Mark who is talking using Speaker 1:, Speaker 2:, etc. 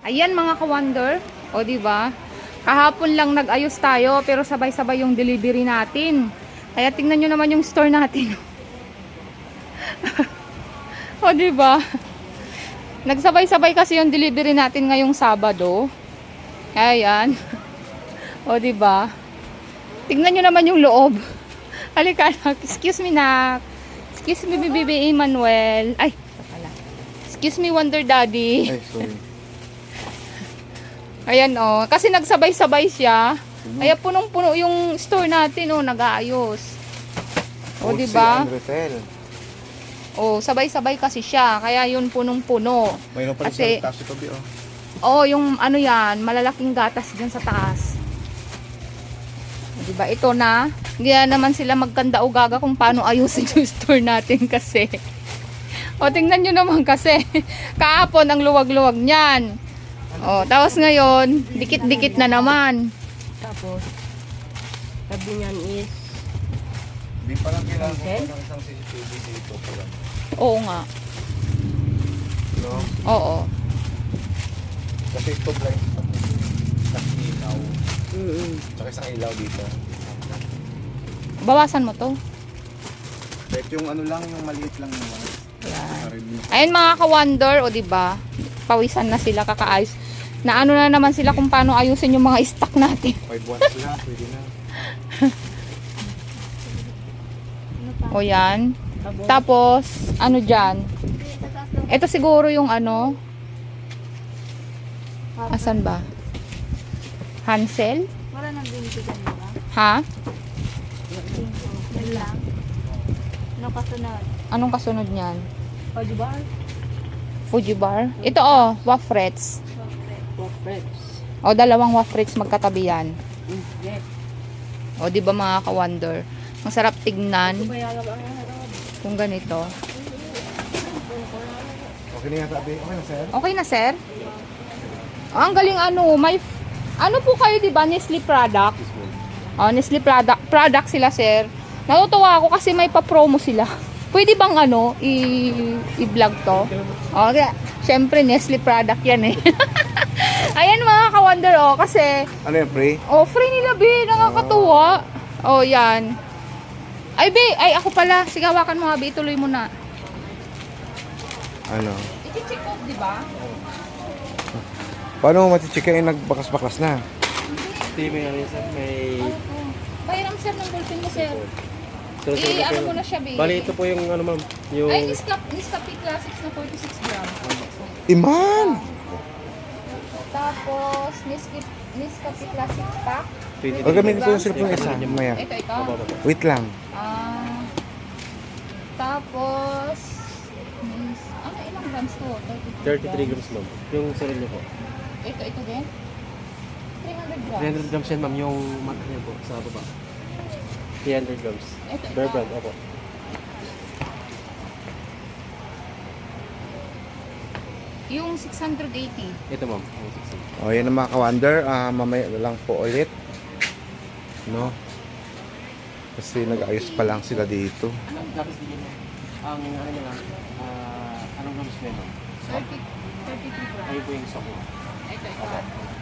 Speaker 1: Ayan mga ka-wonder. O diba? Kahapon lang nag-ayos tayo pero sabay-sabay yung delivery natin. Kaya tingnan nyo naman yung store natin. O diba? Nagsabay-sabay kasi yung delivery natin ngayong Sabado. Ayan. O diba? Tingnan nyo naman yung loob. Halika, excuse me nak. Excuse me, Bibi Emmanuel. Ay, pala. Excuse me, Wonder Daddy.
Speaker 2: Ay, sorry.
Speaker 1: Ayan oh, kasi nagsabay-sabay siya. Kaya punong-puno yung store natin oh, nag-aayos. O di ba? Oh, sabay-sabay kasi siya. Kaya yun punong-puno.
Speaker 2: Mayroon pa rin
Speaker 1: Kasi
Speaker 2: sa taas ito, Bi, oh.
Speaker 1: oh, yung ano yan, malalaking gatas diyan sa taas. O, di ba? Ito na. Hindi na naman sila magkanda o gaga kung paano ayusin yung store natin kasi. O, tingnan nyo naman kasi. Kahapon ang luwag-luwag niyan. Oh, tapos ngayon, dikit-dikit na naman.
Speaker 3: Tapos, sabi niyan is,
Speaker 2: Di pa lang kailangan ko pa ng isang CCTV dito.
Speaker 1: Oo nga.
Speaker 2: No?
Speaker 1: Oo.
Speaker 2: Kasi ito blind. Tapos ilaw. Tsaka isang ilaw dito.
Speaker 1: Bawasan mo to.
Speaker 2: Kahit yung ano lang, yung maliit lang naman.
Speaker 1: Ayan. Ayun mga ka-wonder, o diba? Pawisan na sila, kakaayos. Na ano na naman sila kung paano ayusin yung mga stock natin.
Speaker 2: 5 watts na, pwede na.
Speaker 1: O yan. Tapos, ano dyan? Ito siguro yung ano. Asan ba? Hansel?
Speaker 3: wala nang binitigan mo ba?
Speaker 1: Ha?
Speaker 3: Yan lang. Ano kasunod?
Speaker 1: Anong kasunod niyan?
Speaker 3: O, di ba?
Speaker 1: Fuji bar? Ito oh, wafrets.
Speaker 3: Friends.
Speaker 1: O, dalawang wafrets magkatabi yan.
Speaker 3: Yes.
Speaker 1: O, di ba mga ka-wonder? Masarap tignan
Speaker 3: Bayala ba ang harap?
Speaker 1: kung ganito.
Speaker 2: Okay na yan, sabi. Okay na, sir?
Speaker 1: Okay na, sir? Oh, ang galing ano, ano po kayo, di ba? Nestle product. Oh, Nestle product sila, sir. Natutuwa ako kasi may pa-promo sila. Pwede bang ano, i-vlog to? Oh, kaya, syempre, Nestle product yan eh. Ayan mga ka-wonder, oh, kasi,
Speaker 2: Ano yan, pre?
Speaker 1: oh, free nila, be, nakakatuwa. Oh, yan. Ay, be, ay, ako pala. Sige, hawakan mo, be, ituloy mo na.
Speaker 2: Ano?
Speaker 1: I-check off, di ba?
Speaker 2: Paano mo matichikain nagbakas-bakas na?
Speaker 4: Hindi, may ano yun, sir. May...
Speaker 1: Ano to? Pahiram, sir, ng ballpen mo, sir.
Speaker 4: So,
Speaker 1: Ano mo na siya, be?
Speaker 4: bali, ito po yung ano, ma'am. Yung...
Speaker 1: Ay, Nescafe Classics na 46 grams.
Speaker 2: Iman!
Speaker 1: Tapos, Nescafe Classic Pack.
Speaker 4: 20
Speaker 2: O gamitin ko yung cellphone isa, maya.
Speaker 1: Ito.
Speaker 2: Wait lang.
Speaker 1: Tapos, ano, ilang grams to?
Speaker 4: 33 grams, ma'am. Yung sarili niyo po.
Speaker 1: Ito din? 300 grams.
Speaker 4: 300 grams yan, ma'am. Yung mat niya po, sa baba. 300 grams.
Speaker 1: Ito.
Speaker 4: Bear brand, opo.
Speaker 1: Yung 680.
Speaker 4: Ito, ma'am. Yung 600.
Speaker 2: O, yan ang mga ka-wonder. Mamaya na lang po ulit. No? Kasi nag-ayos pa lang sila dito.
Speaker 4: Anong grams din yun, ma'am? Ang ano nyo lang, anong grams nyo, ma'am?
Speaker 1: 33 grams.
Speaker 4: Ayun po yung stock mo.
Speaker 1: Ito.